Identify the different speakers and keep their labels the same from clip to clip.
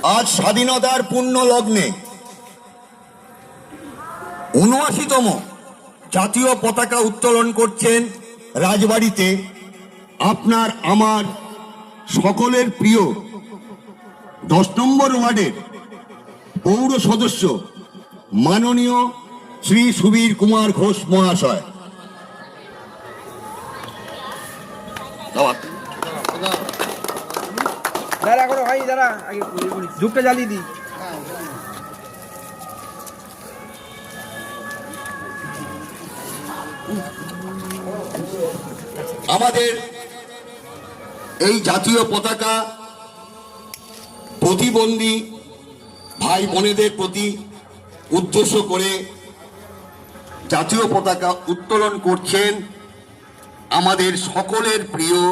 Speaker 1: আজ স্বাধীনতার পূর্ণ লগ্নে ৭৯তম জাতীয় পতাকা উত্তোলন করছেন রাজবাড়িতে আপনার আমার সকলের প্রিয় ১০ নম্বর ওয়ার্ডের পৌর সদস্য মাননীয় শ্রী সুবীর কুমার ঘোষ মহাশয়।
Speaker 2: দাঁড়া করো ভাই, দাঁড়া আগে ধূপটা জ্বালিয়ে দিই।
Speaker 1: আমাদের এই জাতীয় পতাকা প্রতিবন্ধী ভাই বোনেদের প্রতি উদ্দেশ্য করে জাতীয় পতাকা উত্তোলন করছেন আমাদের সকলের প্রিয়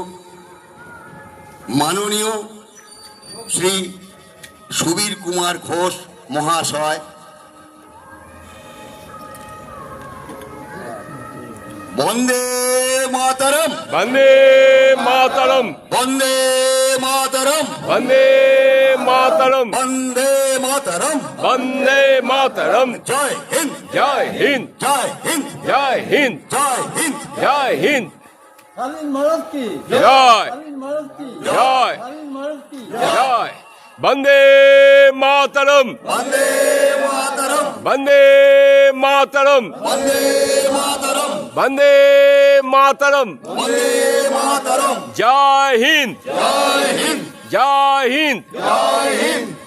Speaker 1: মাননীয় শ্রী সুবীর কুমার ঘোষ মহাশয়। বন্দে মাতরম,
Speaker 3: বন্দে মাতরম,
Speaker 1: বন্দে মাতরম,
Speaker 3: বন্দে মাতরম,
Speaker 1: বন্দে মাতরম,
Speaker 3: বন্দে মাতরম।
Speaker 1: জয় হিন্দ,
Speaker 3: জয় হিন্দ,
Speaker 1: জয় হিন্দ,
Speaker 3: জয় হিন্দ,
Speaker 1: জয় হিন্দ,
Speaker 3: জয় হিন্দ।
Speaker 4: শালীন ভারত কি
Speaker 3: জয়,
Speaker 4: শালীন ভারত কি
Speaker 3: জয়,
Speaker 4: শালীন ভারত কি
Speaker 3: জয়। বন্দে মাতরম,
Speaker 1: বন্দে মাতরম,
Speaker 3: বন্দে মাতরম,
Speaker 1: বন্দে মাতরম,
Speaker 3: বন্দে মাতরম।
Speaker 1: বন্দে মাতরম।
Speaker 3: জয় হিন্দ,
Speaker 1: জয় হিন্দ,
Speaker 3: জয় হিন্দ,
Speaker 1: জয় হিন্দ।